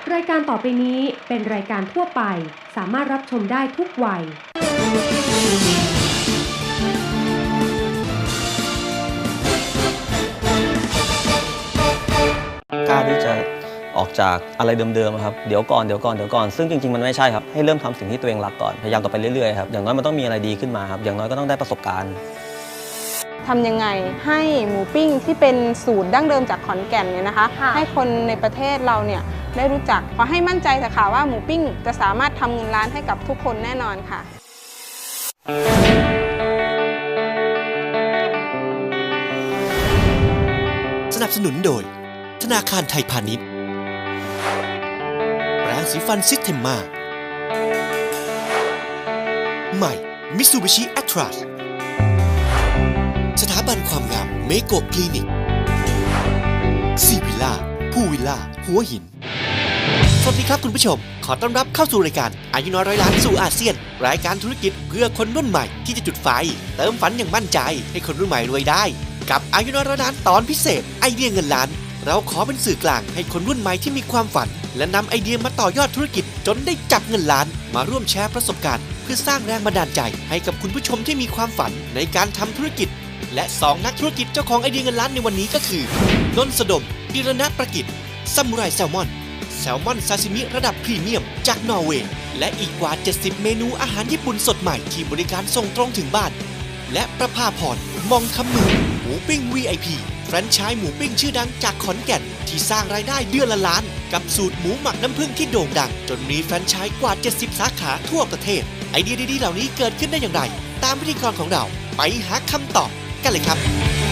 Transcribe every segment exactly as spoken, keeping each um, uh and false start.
รายการต่อไปนี้เป็นรายการทั่วไปสามารถรับชมได้ทุกวัยกล้าที่จะออกจากอะไรเดิมๆครับเดี๋ยวก่อนเดี๋ยวก่อนเดี๋ยวก่อนซึ่งจริงๆมันไม่ใช่ครับให้เริ่มทำสิ่งที่ตัวเองรักก่อนพยายามต่อไปเรื่อยๆครับอย่างน้อยมันต้องมีอะไรดีขึ้นมาครับอย่างน้อยก็ต้องได้ประสบการณ์ทำยังไงให้หมูปิ้งที่เป็นสูตรดั้งเดิมจากขอนแก่นเนี่ยนะคะให้คนในประเทศเราเนี่ยได้รู้จักขอให้มั่นใจเถอะค่ะว่าหมูปิ้งจะสามารถทำเงินล้านให้กับทุกคนแน่นอนค่ะสนับสนุนโดยธนาคารไทยพาณิชย์แปรงสีฟันซิสเทมมาใหม่มิตซูบิชิแอตทรัสสถาบันความงามเมโกคลินิกซีวิลล่าผู้วิลล่าหัวหินสวัสดีครับคุณผู้ชมขอต้อนรับเข้าสู่รายการอายุน้อยร้อยล้านสู่อาเซียนรายการธุรกิจเพื่อคนรุ่นใหม่ที่จะจุดไฟเติมฝันอย่างมั่นใจให้คนรุ่นใหม่รวยได้กับอายุน้อยร้อยล้านตอนพิเศษไอเดียเงินล้านเราขอเป็นสื่อกลางให้คนรุ่นใหม่ที่มีความฝันและนำไอเดียมาต่อยอดธุรกิจจนได้จับเงินล้านมาร่วมแชร์ประสบการณ์เพื่อสร้างแรงบันดาลใจให้กับคุณผู้ชมที่มีความฝันในการทำธุรกิจและสองนักธุรกิจเจ้าของไอเดียเงินล้านในวันนี้ก็คือนนท์สดมดิรณประกิจซามูไรแซลมอนแซลมอนซาซิมิระดับพรีเมียมจากนอร์เวย์และอีกกว่าเจ็ดสิบเมนูอาหารญี่ปุ่นสดใหม่ที่บริการส่งตรงถึงบ้านและประภาพรมองคำมือหมูปิ้ง วี ไอ พี แฟรนไชส์หมูปิ้งชื่อดังจากขอนแก่นที่สร้างรายได้เดือนละล้านกับสูตรหมูหมักน้ำผึ้งที่โด่งดังจนมีแฟรนไชส์กว่าเจ็ดสิบสาขาทั่วประเทศไอเดียดีๆเหล่านี้เกิดขึ้นได้อย่างไรตามพิธีกรของเราไปหาคำตอบกันเลยครับ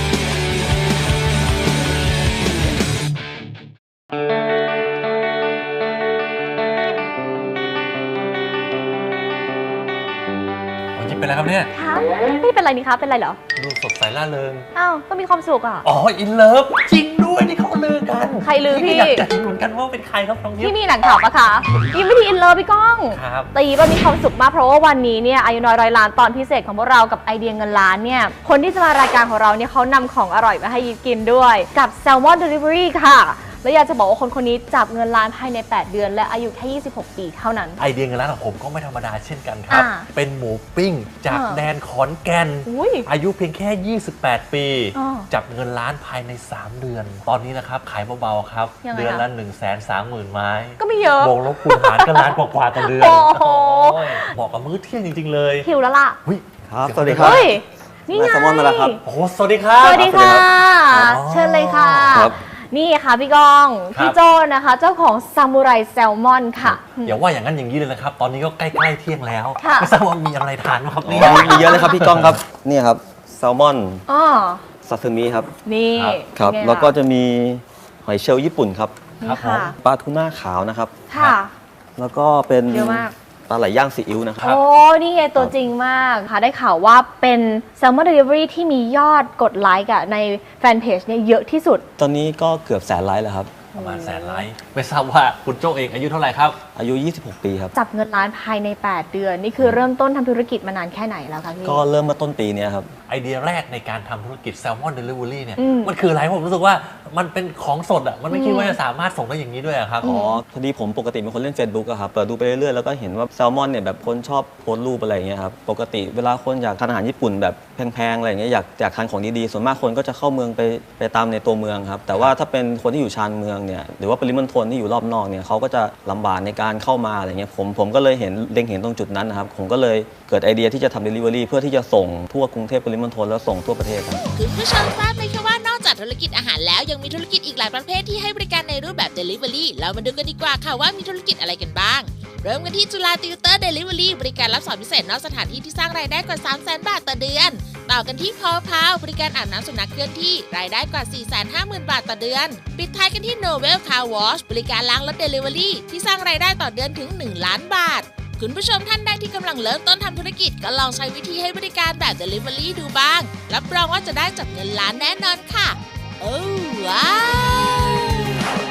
เป็นไรครับเนี่ยคะไม่เป็นไรนี่คะเป็นไรเหรอดูสดใสร่าเริงอ้าวก็มีความสุขอ่ะอ๋ออินเลิฟจริงด้วยนี่เขาลือกันใครลือพี่อยากจะรู้เหมือนกันว่าเป็นใครครับน้องยิ้มพี่มีหนังข่าวปะคะยิ้มไม่ทีอินเลิฟพี่ก้องครับตีว่ามีความสุขมากเพราะว่าวันนี้เนี่ยอายุน้อยร้อยล้านตอนพิเศษของพวกเรากับไอเดียเงินล้านเนี่ยคนที่จะมารายการของเราเนี่ยเขานำของอร่อยมาให้ยิ้มกินด้วยกับแซลมอนเดลิเวอรี่ค่ะแล้วอยากจะบอกว่าคนคนนี้จับเงินล้านภายในแปดเดือนและอายุแค่ยี่สิบหกปีเท่านั้นไอเดียเงินล้านของผมก็ไม่ธรรมดาเช่นกันครับเป็นหมูปิ้งจากแดนขอนแก่นอายุเพียงแค่ยี่สิบแปดปีจับเงินล้านภายในสามเดือนตอนนี้นะครับขายเบาๆครับเดือนละ หนึ่งแสนสามหมื่น ไม้ก็ไม่เยอะบวกลบคูณหารก็ล้านกว่าๆต่อเดือนเหมาะกับมื้อเที่ยงจริงๆเลยหิวแล้วล่ะครับสวัสดีครับนี่ไงแซลมอนมาแล้วครับโอ้สวัสดีครับสวัสดีค่ะเชิญเลยค่ะนี่ค่ะพี่ก้องพี่โจนะคะเจ้าของซามูไรแซลมอนค่ะอย่าว่าอย่างนั้นอย่างนี้เลยนะครับตอนนี้ก็ใกล้ๆเที่ยงแล้วไม่ทราบว่ามีอะไรทานไหมครับนี่มีเยอะเลยครับพี่ก้องครับนี่ครับแซลมอนซาซิมิครับนี่ครับแล้วก็จะมีหอยเชลล์ญี่ปุ่นครับครับผมปลาทูน่าขาวนะครับค่ะแล้วก็เป็นเยอะมากปลาไหลย่างซีอิ๊วนะครับโอ้นี่ไงตัวจริงมากค่ะได้ข่าวว่าเป็น Salmon Delivery ที่มียอดกดไลค์ในแฟนเพจเนี่ยเยอะที่สุดตอนนี้ก็เกือบแสนไลค์แล้วครับประมาณแสนไลค์ไม่ทราบว่าคุณโจ้เองอายุเท่าไหร่ครับอายุยี่สิบหกปีครับจับเงินล้านภายในแปดเดือนนี่คือเริ่มต้นทำธุรกิจมานานแค่ไหนแล้วคะพี่ก็เริ่มมาต้นปีนี้ครับไอเดียแรกในการทำธุรกิจแซลมอนเดลิเวอรี่เนี่ยมันคืออะไรผมรู้สึกว่ามันเป็นของสดอ่ะมันไม่คิดว่าจะสามารถส่งได้อย่างนี้ด้วยครับอ๋อพอดีผมปกติเป็นคนเล่น Facebook อะครับเปิดดูไปเรื่อยๆแล้วก็เห็นว่าแซลมอนเนี่ยแบบคนชอบโพสต์รูปอะไรอย่างเงี้ยครับปกติเวลาคนอยากทานอาหารญี่ปุ่นแบบแพงๆอะไรอย่างเงี้ยอยากอยากทานของดีๆส่วนมากคนก็จะเข้าเมืองไปไปตามในตัวเมืองครับแต่ว่าถ้าเป็นคนที่อยู่ชานเมืองเนี่ยหรือว่าปริมณฑลที่อยู่รอบนอกเนี่ยเขาก็จะลำบากในการเข้ามาอะไรเงี้ยผมผมก็เลยเห็นเล็งเห็นตรงจุดนั้นนะครับผมก็เลยเกิดไอเดียที่จะทำ Delivery เพื่อที่จะส่งทั่วกรุงเทพปริมณฑลแล้วส่งทั่วประเทศครับคุณผู้ชมทราบไหมคะว่านอกจากธุรกิจอาหารแล้วยังมีธุรกิจอีกหลายประเภทที่ให้บริการในรูปแบบ Delivery เรามาดูกันดีกว่าค่ะว่ามีธุรกิจอะไรกันบ้างเริ่มกันที่จุฬาติวเตอร์ Delivery บริการรับสอนพิเศษนอกสถานที่ที่สร้างรายได้กว่า สามแสน บาทต่อเดือนต่อกันที่พอพาวบริการอาบน้ำสุนัขเคลื่อนที่รายได้กว่า สี่แสนห้าหมื่น บาทต่อเดือนปิดท้ายกันที่ Novel Car Wash บริการล้างรถ Delivery ที่สร้างรายได้ต่อเดือนถึง หนึ่ง ล้านบาทคุณผู้ชมท่านใดที่กำลังเริ่มต้นทำธุรกิจก็ลองใช้วิธีให้บริการแบบ Delivery ดูบ้างรับรองว่าจะได้จับเงินล้านแน่นอนค่ะโอ้ว้าวได้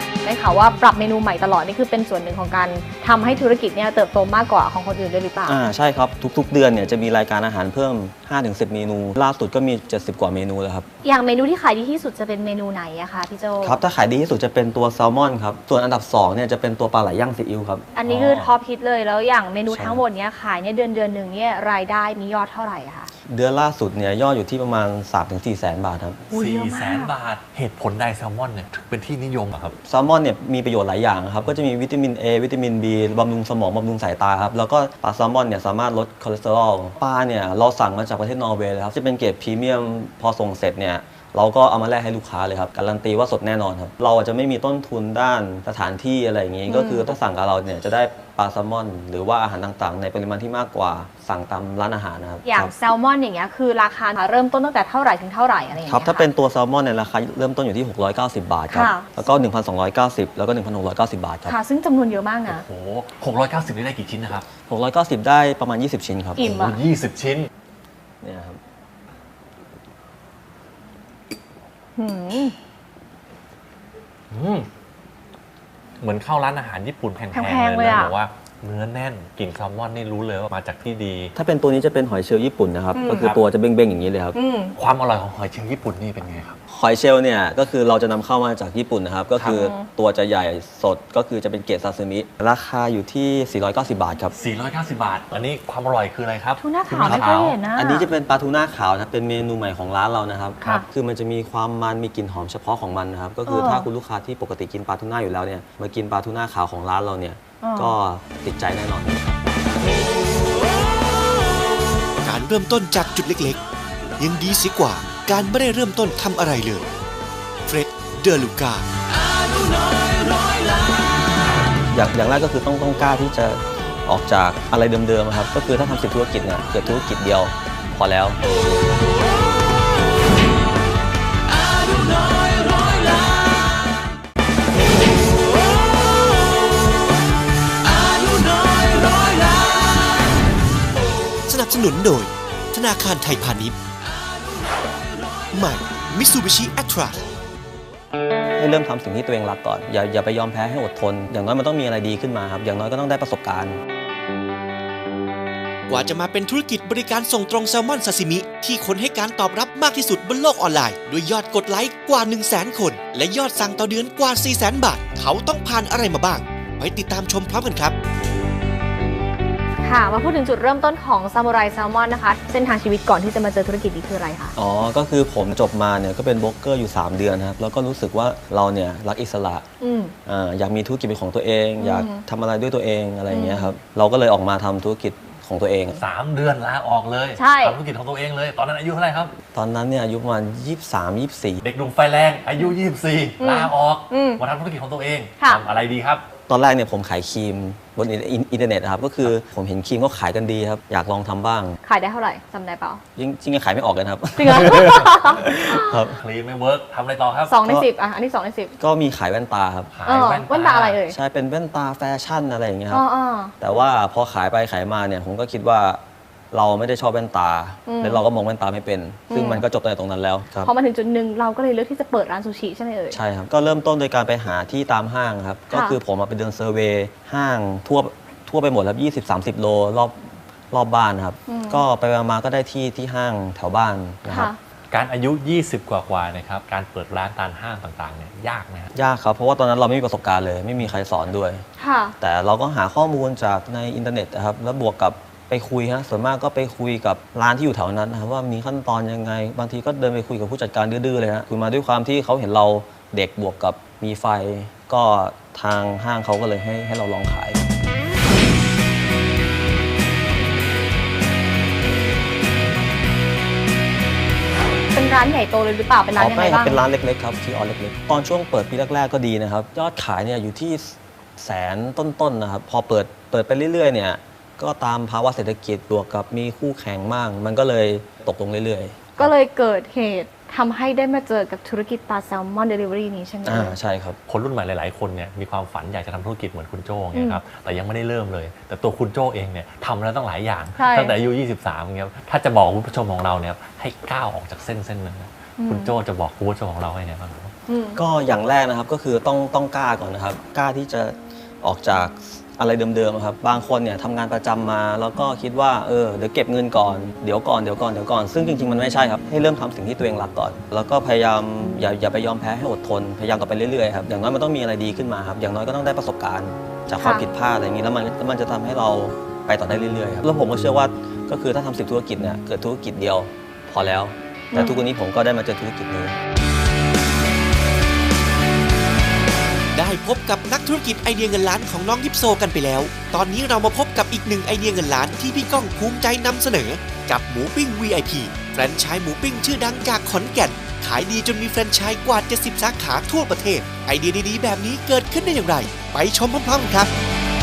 ข่าวว่าปรับเมนูใหม่ตลอดนี่คือเป็นส่วนหนึ่งของการทำให้ธุรกิจเนี่ยเติบโตมากกว่าของคนอื่นด้วยหรือเปล่าอ่าใช่ครับทุกๆเดือนเนี่ยจะมีรายการอาหารเพิ่ม ห้าถึงสิบ เมนูล่าสุดก็มีเจ็ดสิบกว่าเมนูแล้วครับอย่างเมนูที่ขายดีที่สุดจะเป็นเมนูไหนอะคะพี่โจครับถ้าขายดีที่สุดจะเป็นตัวแซลมอนครับส่วนอันดับสองเนี่ยจะเป็นตัวปลาไหลย่างซีอิ๊วครับอันนี้คือท็อปฮิตเลยแล้วอย่างเมนูทั้งหมดเนี้ยขายเนี่ยเดือนเดือนหนึ่งเนี่ยรายได้มียอดเท่าไหร่คะเดือนล่าสุดเนี่ยยอดอยู่ที่ประมาณ สามถึงสี่ แสนบาทครับสี่แสนบาทเหตุผลใดแซลมอนเนี่ยถึงเป็นที่นิยมอะครับแซลมอนเนี่ยมีประโยชน์หลายอย่างครับก็จะมีวิตามิน A วิตามิน B บำรุงสมองบำรุงสายตาครับแล้วก็ปลาแซลมอนเนี่ยสามารถลดคอเลสเตอรอลปลาเนี่ยเราสั่งมาจากประเทศนอร์เวย์เลยครับจะเป็นเกรดพรีเมียมพอส่งเสร็จเนี่ยเราก็เอามาแลกให้ลูกค้าเลยครับการันตีว่าสดแน่นอนครับเราจะไม่มีต้นทุนด้านสถานที่อะไรอย่างงี้ก็คือถ้าสั่งกับเราเนี่ยจะได้ปลาแซลมอนหรือว่าอาหารต่างๆในปริมาณที่มากกว่าสั่งตามร้านอาหารนะครับอย่างแซลมอนอย่างเงี้ยคือราคาเริ่มต้นตั้งแต่เท่าไหร่ถึงเท่าไหร่อะไรอย่างเงี้ยครับถ้าเป็นตัวแซลมอนเนี่ยราคาเริ่มต้นอยู่ที่หกร้อยเก้าสิบบาทครับแล้วก็ หนึ่งพันสองร้อยเก้าสิบ แล้วก็ หนึ่งพันหกร้อยเก้าสิบ บาทครับค่ะซึ่งจำนวนเยอะมากนะโอ้โหหกร้อยเก้าสิบนี่ได้กี่ชิ้นนะครับหกร้อยเก้าสิบได้ประมาณยี่สิบชิ้นครับอิ่มอ่ะยี่สิบชิ้นเนี่ยครับอืมเหมือนเข้าร้านอาหารญี่ปุ่นแพงๆเลยนะบอกว่าเนื้อแน่นกลิ่นแซลมอนนี่รู้เลยว่ามาจากที่ดีถ้าเป็นตัวนี้จะเป็นหอยเชลล์ญี่ปุ่นนะครับก็คือตัวจะเบ้งๆอย่างนี้เลยครับความอร่อยของหอยเชลล์ญี่ปุ่นนี่เป็นไงครับหอยเชลล์เนี่ยก็คือเราจะนำเข้ามาจากญี่ปุ่นนะครับก็คือตัวจะใหญ่สดก็คือจะเป็นเกรดซาซิมิราคาอยู่ที่สี่ร้อยเก้าสิบบาทครับสี่ร้อยเก้าสิบบาทอันนี้ความอร่อยคืออะไรครับทูน่าขาวไม่เคยเห็นนะอันนี้จะเป็นปลาทูน่าขาวนะเป็นเมนูใหม่ของร้านเรานะครับคือมันจะมีความมันมีกลิ่นหอมเฉพาะของมันนะครับก็คือถ้าคุณลูกค้าที่ปกติกินปลาทูน่าอยู่แล้วเนี่ยมากินปลาทูน่าขาวของร้านเราเนี่ยก็ติดใจแน่นอนการเริ่มต้นจากจุดเล็กๆยังดีเสียกว่าการไม่ได้เริ่มต้นทำอะไรเลยเฟร็ดเดอลูกาอย่างอย่างแรกก็คือต้องต้องกล้าที่จะออกจากอะไรเดิมๆครับก็คือถ้าทำสิบธุรกิจเนี่ยเกิดธุรกิจเดียวพอแล้วสนับสนุนโดยธนาคารไทยพาณิชย์ใหม่ Mitsubishi Atlas ให้เริ่มทำสิ่งที่ตัวเองรักก่อนอย่าอย่าไปยอมแพ้ให้อดทนอย่างน้อยมันต้องมีอะไรดีขึ้นมาครับอย่างน้อยก็ต้องได้ประสบการณ์กว่าจะมาเป็นธุรกิจบริการส่งตรงแซลมอนซาซิมิที่คนให้การตอบรับมากที่สุดบนโลกออนไลน์ด้วยยอดกดไลค์กว่า หนึ่งแสน คนและยอดสั่งต่อเดือนกว่า สี่แสน บาทเขาต้องผ่านอะไรมาบ้างไปติดตามชมพร้อมกันครับค่ะมาพูดถึงจุดเริ่มต้นของซามูไรแซลมอนนะคะเส้นทางชีวิตก่อนที่จะมาเจอธุรกิจนี้คืออะไรคะอ๋อก็คือผมจบมาเนี่ยก็เป็นบล็อกเกอร์อยู่สามเดือนครับแล้วก็รู้สึกว่าเราเนี่ยรักอิสระอ่าอยากมีธุรกิจเป็นของตัวเองอยากทำอะไรด้วยตัวเองอะไรอย่างเงี้ยครับเราก็เลยออกมาทำธุรกิจของตัวเองสามเดือนลาออกเลยทำธุรกิจของตัวเองเลยตอนนั้นอายุเท่าไหร่ครับตอนนั้นเนี่ยอายุประมาณยี่สิบสาม ยี่สิบสี่เด็กหนุ่มไฟแรงอายุยี่สิบสี่ลาออกมาทำธุรกิจของตัวเองทำอะไรดีครับตอนแรกเนี่ยผมขายครีมบนอินเทอร์เน็ตครับก็คือผมเห็นครีมก็ขายกันดีครับอยากลองทำบ้างขายได้เท่าไหร่จำได้เปล่าจริงจริงขายไม่ออกกันครับจริงเหรอครับครีมไม่เวิร์กทำอะไรต่อครับสองในสิบอ่ะอันนี้สองในสิบก็มีขายแว่นตาครับขายแว่นตาอะไรเอ่ยใช่เป็นแว่นตาแฟชั่นอะไรอย่างเงี้ยครับแต่ว่าพอขายไปขายมาเนี่ยผมก็คิดว่าเราไม่ได้ชอบแว่นตาแล้วเราก็มองแว่นตาไม่เป็นซึ่งมันก็จบในตรงนั้นแล้วพอมาถึงจุดหนึ่งเราก็เลยเลือกที่จะเปิดร้านซูชิใช่ไหมเอ่ยใช่ครับก็เริ่มต้นโดยการไปหาที่ตามห้างครับก็คือผมมาไปเดินเซอร์เวย์ห้างทั่วทั่วไปหมดครับยี่สิบ สามสิบโลรอบรอบบ้านครับก็ไปมาก็ได้ที่ที่ห้างแถวบ้านนะครับการอายุยี่สิบกว่าๆนะครับการเปิดร้านตามห้างต่างๆเนี่ยยากไหมยากครับเพราะว่าตอนนั้นเราไม่มีประสบการณ์เลยไม่มีใครสอนด้วยแต่เราก็หาข้อมูลจากในอินเทอร์เน็ตนะครับแล้วบวกกับไปคุยฮะส่วนมากก็ไปคุยกับร้านที่อยู่แถวนั้นนะครับว่ามีขั้นตอนยังไงบางทีก็เดินไปคุยกับผู้จัดการดื้อๆเลยฮะคุยมาด้วยความที่เขาเห็นเราเด็กบวกกับมีไฟก็ทางห้างเขาก็เลยให้ให้เราลองขายเป็นร้านใหญ่โตเลยหรือเปล่าเป็นร้านยังไงบ้างเป็นร้านเล็กๆครับที่ออเล็กๆตอนช่วงเปิดปีแรกๆก็ดีนะครับยอดขายเนี่ยอยู่ที่แสนต้นๆนะครับพอเปิดเปิดไปเรื่อยๆเนี่ยก็ตามภาวะเศรษฐกิจบวกกับมีคู่แข่งมากมันก็เลยตกลงเรื่อยๆก็เลยเกิดเหตุทำให้ได้มาเจอกับธุรกิจปลาแซลมอนเดลิเวอรี่นี้ใช่ไหมอ่าใช่ครับคนรุ่นใหม่หลายๆคนเนี่ยมีความฝันอยากจะทำธุรกิจเหมือนคุณโจ้เงี้ยครับแต่ยังไม่ได้เริ่มเลยแต่ตัวคุณโจ้เองเนี่ยทำแล้วตั้งหลายอย่างตั้งแต่อายุยี่สิบสามเงี้ยถ้าจะบอกคุณผู้ชมของเราเนี่ยให้ก้าวออกจากเส้นเส้นนึงคุณโจ้จะบอกคุณผู้ชมของเราให้ไงบ้างก็อย่างแรกนะครับก็คือต้องต้องกล้าก่อนนะครับกล้าที่จะออกจากอะไรเดิมๆครับบางคนเนี่ยทำงานประจำมาแล้วก็คิดว่าเออเดี๋ยวเก็บเงินก่อนเดี๋ยวก่อนเดี๋ยวก่อนเดี๋ยวก่อนซึ่งจริงๆมันไม่ใช่ครับให้เริ่มทำสิ่งที่ตัวเองรักก่อนแล้วก็พยายามอย่าอย่าไปยอมแพ้ให้อดทนพยายามต่อไปเรื่อยๆครับอย่างน้อยมันต้องมีอะไรดีขึ้นมาครับอย่างน้อยก็ต้องได้ประสบการณ์จากความผิดพลาดอะไรอย่างนี้แล้วมันมันจะทำให้เราไปต่อได้เรื่อยๆครับแล้วผมก็เชื่อว่าก็คือถ้าทำสิบธุรกิจเนี่ยเกิดธุรกิจเดียวพอแล้วแต่ทุกวันนี้ผมก็ได้มาเจอธุรกิจนี้ได้พบกับนักธุรกิจไอเดียเงินล้านของน้องยิปโซกันไปแล้วตอนนี้เรามาพบกับอีกหนึ่งไอเดียเงินล้านที่พี่ก้องภูมิใจนำเสนอกับหมูปิ้ง วี ไอ พี แฟรนไชส์หมูปิ้งชื่อดังจากขอนแก่นขายดีจนมีแฟรนไชส์กว่าเจ็ดสิบสาขาทั่วประเทศไอเดียดีๆแบบนี้เกิดขึ้นได้อย่างไรไปชมพร้อมๆครับ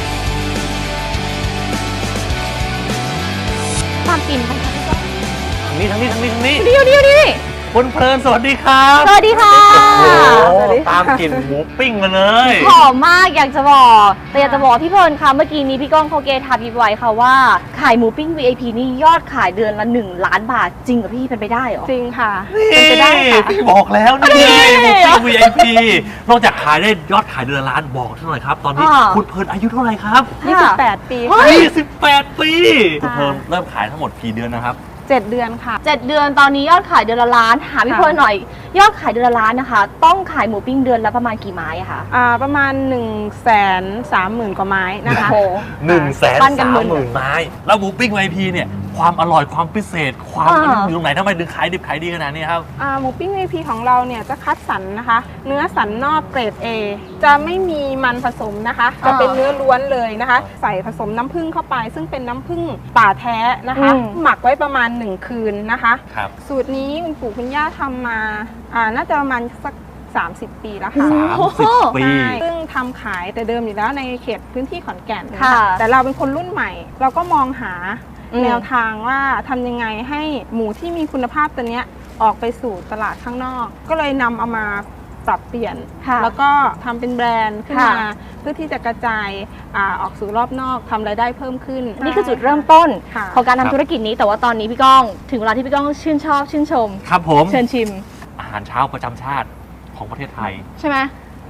ตามปิ่นไปค่ะพี่ก้องทางนี้ทางนี้ทางนี้ทางนี้เดียวเดียวนี่คุณเพลินสวัสดีครับสวัสดีค่ะโอ้โหตามกลิ่นหมูปิ้งมาเลยหอมมากอยากจะบอกแต่อยากจะบอกพี่เพลินค่ะเมื่อกี้นี้พี่ก้องเขาเกทาพิบไว้ค่ะว่าขายหมูปิ้ง วี ไอ พี นี่ยอดขายเดือนละหนึ่งล้านบาทจริงเหรอพี่เป็นไปได้เหรอจริงค่ะนี่เป็นไปได้ค่ะพี่บอกแล้วนี่หมูปิ้ง วี ไอ พี นอกจากขายได้ยอดขายเดือนละล้านบอกเท่าไหร่ครับตอนนี้อ่าคุณเพลินอายุเท่าไหร่ครับยี่สิบแปด ปีเฮ้ค่ะยยี่สิบแปดปีคุณเพลินเริ่มขายทั้งหมดกี่เดือนนะครับเจ็ดเดือนค่ะเจ็ดเดือนตอนนี้ยอดขายเดือนละล้านถามพี่เพลินหน่อย ยอดขายเดือนละล้านนะคะ ต้องขายหมูปิ้งเดือนละประมาณกี่ไม้อะคะอ่าประมาณ1นึ่งแสนสามหมื่นกว่าไม้นะคะโอ้โหหนึ่งแสนปั้นกันสามหมื่นหมื่นไม้แล้วหมูปิ้ง วี ไอ พี เนี่ยความอร่อยความพิเศษความอ่าอยู่ตรงไหนทำไมถึงขายดิบขายดีขนาดนี้ครับอ่าหมูปิ้ง วี ไอ พี ของเราเนี่ยจะคัดสรรนะคะ เนื้อสันนอกเกรด A จะไม่มีมันผสมนะคะ จะเป็นเนื้อล้วนเลยนะคะ ใส่ผสมน้ำผึ้งเข้าไป ซึ่งเป็นน้ำผึ้งป่าแท้นะคะอืมหมักไว้ประมาณหนึ่งคืนนะคะครับสูตรนี้คุณปู่คุณย่าทำมาอ่าน่าจะประมาณสักสามสิบ ปีแล้วค่ะสามสิบปีใช่ซึ่งทำขายแต่เดิมอยู่แล้วในเขตพื้นที่ขอนแก่นนค่ะแต่เราเป็นคนรุ่นใหม่ เราก็มองหาอืมแนวทางว่าทำยังไงให้หมูที่มีคุณภาพตัวเนี้ยออกไปสู่ตลาดข้างนอก ก็เลยนำเอามาปรับเปลี่ยนค่ะแล้วก็ทำเป็นแบรนด์ขึ้นมาค่ะเพื่อที่จะกระจายอาออกสู่รอบนอกทำรายได้เพิ่มขึ้นนี่คือจุดเริ่มต้นค่ะของการครัทำบธุรกิจนี้แต่ว่าตอนนี้พี่ก้องถึงเวลาที่พี่ก้องชื่นชอบชื่นชมครับผมเชิญชิมอาหารเช้าประจำชาติของประเทศไทยใช่ไหม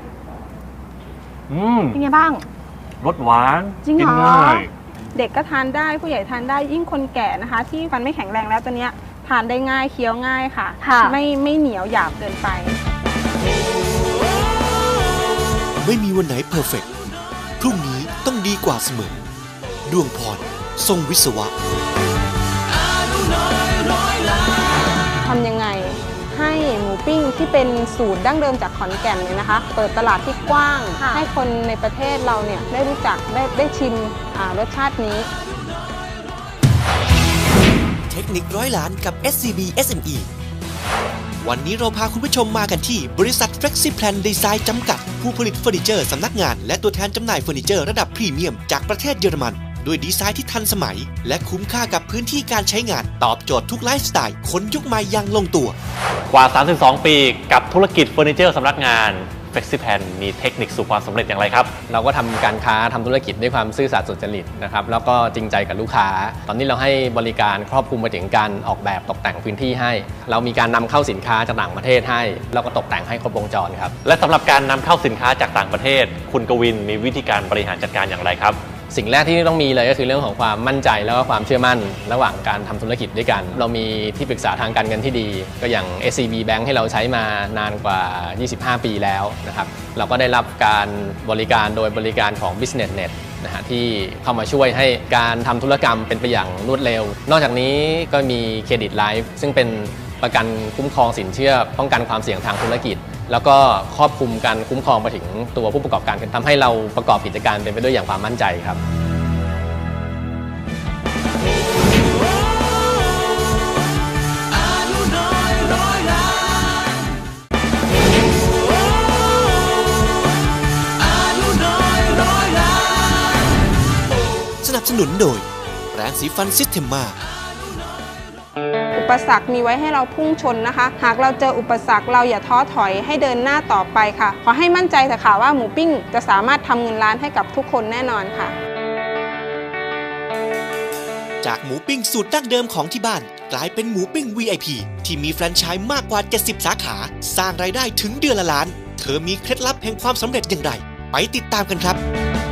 อืมเป็นไงบ้างรสหวานจริงเหรอกินง่ายเด็กก็ทานได้ผู้ใหญ่ทานได้ยิ่งคนแก่นะคะ ที่ฟันไม่แข็งแรงแล้วตัวเนี้ยทานได้ง่ายเคี้ยวง่ายค่ะค่ะไม่ไม่เหนียวหยาบเกินไปไม่มีวันไหนเพอร์เฟกต์พรุ่งนี้ต้องดีกว่าเสมอดวงพรทรงวิศวะทำยังไงให้หมูปิ้งที่เป็นสูตรดั้งเดิมจากขอนแก่นเนี่ยนะคะ เปิดตลาดที่กว้างค่ะให้คนในประเทศเราเนี่ยได้รู้จักได้ได้ชิมอ่ารสชาตินี้เทคนิคร้อยล้านกับ เอส ซี บี เอส เอ็ม อี วันนี้เราพาคุณผู้ชมมากันที่บริษัท Flexiplan Design จำกัด ผู้ผลิตเฟอร์นิเจอร์สำนักงานและตัวแทนจำหน่ายเฟอร์นิเจอร์ระดับพรีเมียมจากประเทศเยอรมันด้วยดีไซน์ที่ทันสมัย และคุ้มค่ากับพื้นที่การใช้งานตอบโจทย์ทุกไลฟ์สไตล์คนยุคใหม่อย่างลงตัวกว่า สามสิบสอง ปีกับธุรกิจเฟอร์นิเจอร์สำนักงาน Flexiplan มีเทคนิคสู่ความสำเร็จอย่างไรครับเราก็ทำการค้าทำธุรกิจด้วยความซื่อสัตย์สุจริตนะครับแล้วก็จริงใจกับลูกค้า ตอนนี้เราให้บริการครอบคลุมไปถึงการออกแบบตกแต่งพื้นที่ให้ เรามีการนำเข้าสินค้าจากต่างประเทศให้แล้วก็ตกแต่งให้ครบวงจรครับและสำหรับการนำเข้าสินค้าจากต่างประเทศ คุณกวินมีวิธีการบริหารจัดการอย่างไรครับสิ่งแรกที่ต้องมีเลยก็คือเรื่องของความมั่นใจแล้วก็ความเชื่อมั่นระหว่างการทำธุรกิจด้วยกัน เรามีที่ปรึกษาทางการเงินที่ดี ก็อย่าง เอส ซี บี Bank ให้เราใช้มานานกว่า ยี่สิบห้า ปีแล้วนะครับเราก็ได้รับการบริการโดยบริการของ BusinessNet นะฮะที่เข้ามาช่วยให้การทำธุรกรรมเป็นไปอย่างรวดเร็ว นอกจากนี้ก็มีเครดิตไลฟ์ซึ่งเป็นประกันคุ้มครองสินเชื่อป้องกันความเสี่ยงทางธุรกิจ แล้วก็ครอบคลุมการคุ้มครองไปถึงตัวผู้ประกอบการทำให้เราประกอบกิจการเป็นไปด้วยอย่างความมั่นใจครับสนับสนุนโดยแปรงสีฟันซิสเทมมาอุปสรรคมีไว้ให้เราพุ่งชนนะคะ หากเราเจออุปสรรคเราอย่าท้อถอยให้เดินหน้าต่อไปค่ะ ขอให้มั่นใจเถอะค่ะว่าหมูปิ้งจะสามารถทำเงินล้านให้กับทุกคนแน่นอนค่ะจากหมูปิ้งสูตรดั้งเดิมของที่บ้านกลายเป็นหมูปิ้ง วี ไอ พี ที่มีแฟรนไชส์มากกว่าเจ็ดสิบสาขาสร้างรายได้ถึงเดือนละล้านเธอมีเคล็ดลับแห่งความสำเร็จอย่างไรไปติดตามกันครับ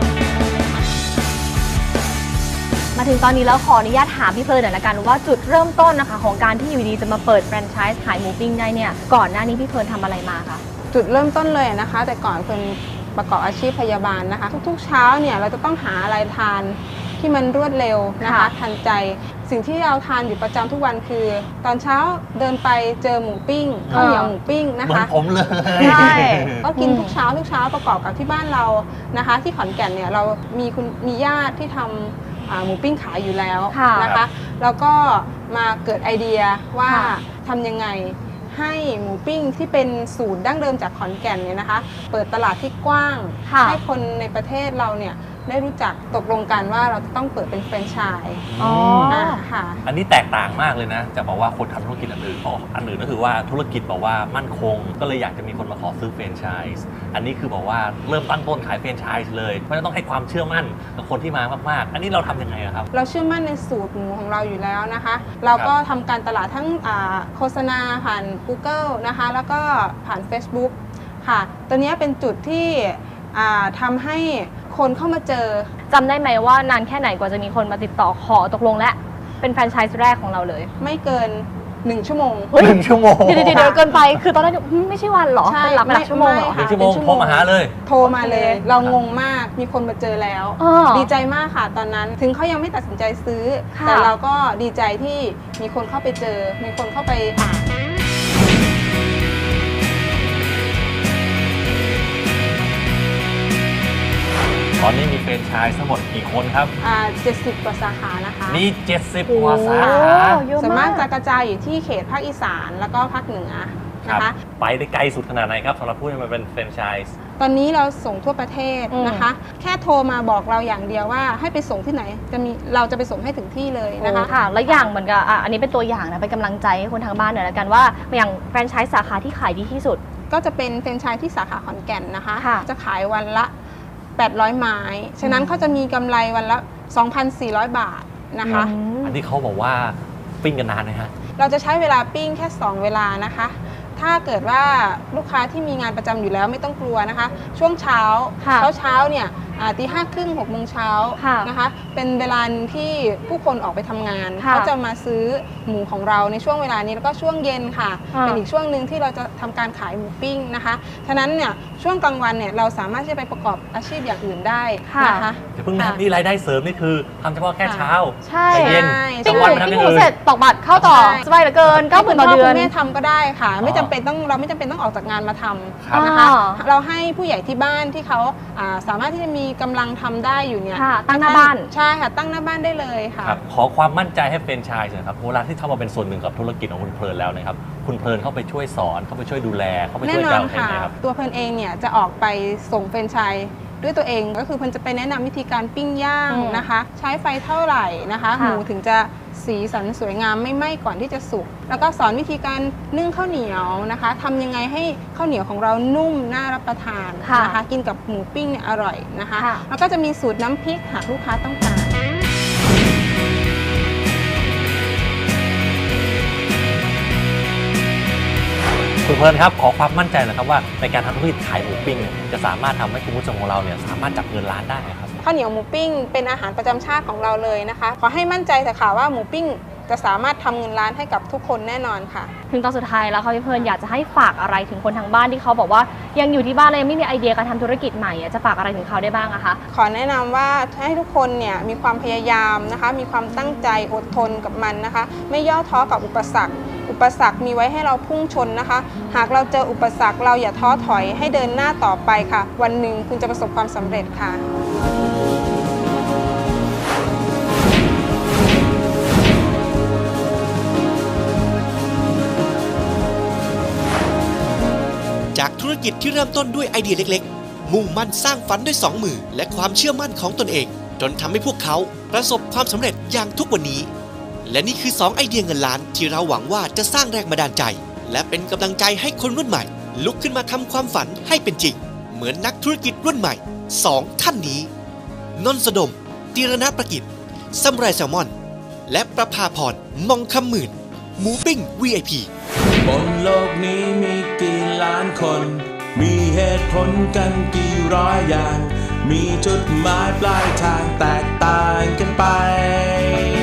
มาถึงตอนนี้แล้วขออนุญาตถามพี่เพลินหน่อยละกันว่าจุดเริ่มต้นนะคะของการที่อยู่ดีจะมาเปิดแฟรนไชส์ขายหมูปิ้งได้เนี่ยก่อนหน้านี้พี่เพลินทำอะไรมาคะจุดเริ่มต้นเลยนะคะแต่ก่อนเพลินประกอบอาชีพพยาบาลนะคะทุกๆเช้าเนี่ยเราจะต้องหาอะไรทานที่มันรวดเร็วนะคะทันใจสิ่งที่เราทานอยู่ประจำทุกวันคือตอนเช้าเดินไปเจอหมูปิ้งข้าวเหนียวหมูปิ้งนะคะเหมือนผมเลยใช่ก็กินทุกเช้าทุกเช้าประกอบกับที่บ้านเรานะคะที่ขอนแก่นเนี่ยเรามีคุณมีญาติที่ทำหมูปิ้งขายอยู่แล้วนะคะแล้วก็มาเกิดไอเดียว่าทำยังไงให้หมูปิ้งที่เป็นสูตรดั้งเดิมจากขอนแก่นเนี่ยนะคะเปิดตลาดที่กว้างให้คนในประเทศเราเนี่ยได้รู้จักตกลงกันว่าเราจะต้องเปิดเป็นแฟรนไชส์อ๋อค่ะอันนี้แตกต่างมากเลยนะจะบอกว่าคนทำธุรกิจอันอื่นอันอื่นก็คือว่าธุรกิจบอกว่ามั่นคงก็เลยอยากจะมีคนมาขอซื้อแฟรนไชส์อันนี้คือบอกว่าเริ่มตั้งต้นขายแฟรนไชส์เลยเพราะฉะนั้นต้องให้ความเชื่อมั่นกับคนที่มามากๆอันนี้เราทำยังไงครับเราเชื่อมั่นในสูตรหมูของเราอยู่แล้วนะคะเราก็ทำการตลาดทั้งโฆษณาผ่าน Google นะคะแล้วก็ผ่าน Facebook ค่ะตัวนี้เป็นจุดที่ทำให้คนเข้ามาเจอจำได้ไหมว่านานแค่ไหนกว่าจะมีคนมาติดต่อขอตกลงและเป็นแฟรนไชส์แรกของเราเลยไม่เกินหนึ่งชั่วโมงหนึ่งชั่วโมงเดี๋ยวเดี๋ยวเกินไปคือตอนแรกไม่ใช่วันหรอเป็นหลักหลักชั่วโมงหรอหนึ่งชั่วโมงโทรมาหาเลยโทรมาเลยเรางงมากมีคนมาเจอแล้วดีใจมากค่ะตอนนั้นถึงเขายังไม่ตัดสินใจซื้อแต่เราก็ดีใจที่มีคนเข้าไปเจอมีคนเข้าไปอ่านตอนนี้มีแฟรนไชส์ทั้งหมดกี่คนครับอ่าเจ็ดสิบกว่าสาขานะคะมีเจ็ดสิบกว่าสาขาส่วนมากจะกระจายอยู่ที่เขตภาคอีสานแล้วก็ภาคเหนือนะคะไปได้ไกลสุดขนาดไหนครับสำหรับผู้ที่มาเป็นแฟรนไชส์ตอนนี้เราส่งทั่วประเทศนะคะแค่โทรมาบอกเราอย่างเดียวว่าให้ไปส่งที่ไหนจะมีเราจะไปส่งให้ถึงที่เลยนะคะค่ะแล้วอย่างเหมือนกับอันนี้เป็นตัวอย่างนะเป็นกำลังใจให้คนทางบ้านหน่อยละกันว่าอย่างแฟรนไชส์สาขาที่ขายดีที่สุดก็จะเป็นแฟรนไชส์ที่สาขาขอนแก่นนะคะจะขายวันละแปดร้อยไม้ฉะนั้นเขาจะมีกำไรวันละ สองพันสี่ร้อย บาทนะคะอันนี้เขาบอกว่าปิ้งกันนานไหมฮะเราจะใช้เวลาปิ้งแค่สองเวลานะคะถ้าเกิดว่าลูกค้าที่มีงานประจำอยู่แล้วไม่ต้องกลัวนะคะช่วงเช้าเช้าเช้าเนี่ยตีห้าครึ่งหกโมงเช้านะคะเป็นเวลาที่ผู้คนออกไปทำงานเขาจะมาซื้อหมูของเราในช่วงเวลานี้แล้วก็ช่วงเย็นค่ะเป็นอีกช่วงหนึ่งที่เราจะทำการขายหมูปิ้งนะคะฉะนั้นเนี่ยช่วงกลางวันเนี่ยเราสามารถที่จะไปประกอบอาชีพอย่างอื่นได้นะคะอย่าเพิ่งนะนี่รายได้เสริมนี่คือทำเฉพาะแค่เช้าใช่เย็นปิ้งหมูปิ้งหมูเสร็จตอกบัตรเข้าต่อสบายเหลือเกินเก้าหมื่นต่อเดือนคุณแม่ทำก็ได้ค่ะไม่จำเป็นต้องเราไม่จำเป็นต้องออกจากงานมาทำนะคะเราให้ผู้ใหญ่ที่บ้านที่เขาสามารถที่จะมีกำลังทำได้อยู่เนี่ยตั้งหน้าบ้านใช่ค่ะตั้งหน้าบ้านได้เลยค่ะขอความมั่นใจให้แฟรนไชส์หน่อยครับเวลาที่เข้ามาเป็นส่วนหนึ่งกับธุรกิจของคุณเพลินแล้วนะครับคุณเพลินเข้าไปช่วยสอนเข้าไปช่วยดูแลเข้าไปช่วยการให้ครับตัวเพลินเองเนี่ยจะออกไปส่งแฟรนไชส์ด้วยตัวเองก็คือเพลินจะไปแนะนำวิธีการปิ้งย่างนะคะใช้ไฟเท่าไหร่นะคะหมูถึงจะสีสันสวยงามไม่ไหม้ก่อนที่จะสุกแล้วก็สอนวิธีการนึ่งข้าวเหนียวนะคะทำยังไงให้ข้าวเหนียวของเรานุ่มน่ารับประทานนะคะกินกับหมูปิ้งเนี่ยอร่อยนะคะแล้วก็จะมีสูตรน้ำพริกหากลูกค้าต้องการคุณเพลินครับขอความมั่นใจหน่อยครับว่าในการทำธุรกิจขายหมูปิ้งจะสามารถทำให้คุณผู้ชมของเราเนี่ยสามารถจับเงินล้านได้ครับข้าวเหนียวหมูปิ้งเป็นอาหารประจำชาติของเราเลยนะคะขอให้มั่นใจเถอะค่ะว่าหมูปิ้งจะสามารถทำเงินล้านให้กับทุกคนแน่นอนค่ะถึงตอนสุดท้ายแล้วค่ะพี่เพลินอยากจะให้ฝากอะไรถึงคนทางบ้านที่เขาบอกว่ายังอยู่ที่บ้านเลยไม่มีไอเดียการทำธุรกิจใหม่จะฝากอะไรถึงเขาได้บ้างอะคะขอแนะนำว่าให้ทุกคนเนี่ยมีความพยายามนะคะมีความตั้งใจอดทนกับมันนะคะไม่ย่อท้อกับอุปสรรคอุปสรรคมีไว้ให้เราพุ่งชนนะคะหากเราเจออุปสรรคเราอย่าท้อถอยให้เดินหน้าต่อไปค่ะวันหนึ่งคุณจะประสบความสำเร็จค่ะจากธุรกิจที่เริ่มต้นด้วยไอเดียเล็กๆมุ่งมั่นสร้างฝันด้วยสองมือและความเชื่อมั่นของตนเองจนทำให้พวกเขาประสบความสำเร็จอย่างทุกวันนี้และนี่คือสองไอเดียเงินล้านที่เราหวังว่าจะสร้างแรงบันดาลใจและเป็นกำลังใจให้คนรุ่นใหม่ลุกขึ้นมาทำความฝันให้เป็นจริงเหมือนนักธุรกิจรุ่นใหม่สองท่านนี้นนท์สดม ตีรณประกิจซัมไรแซลมอนและประภาพรมองคำหมื่นหมูปิ้ง วี ไอ พีบนโลกนี้มีกี่ล้านคน มีเหตุผลกันกี่ร้อยอย่าง มีจุดหมายปลายทางแตกต่างกันไป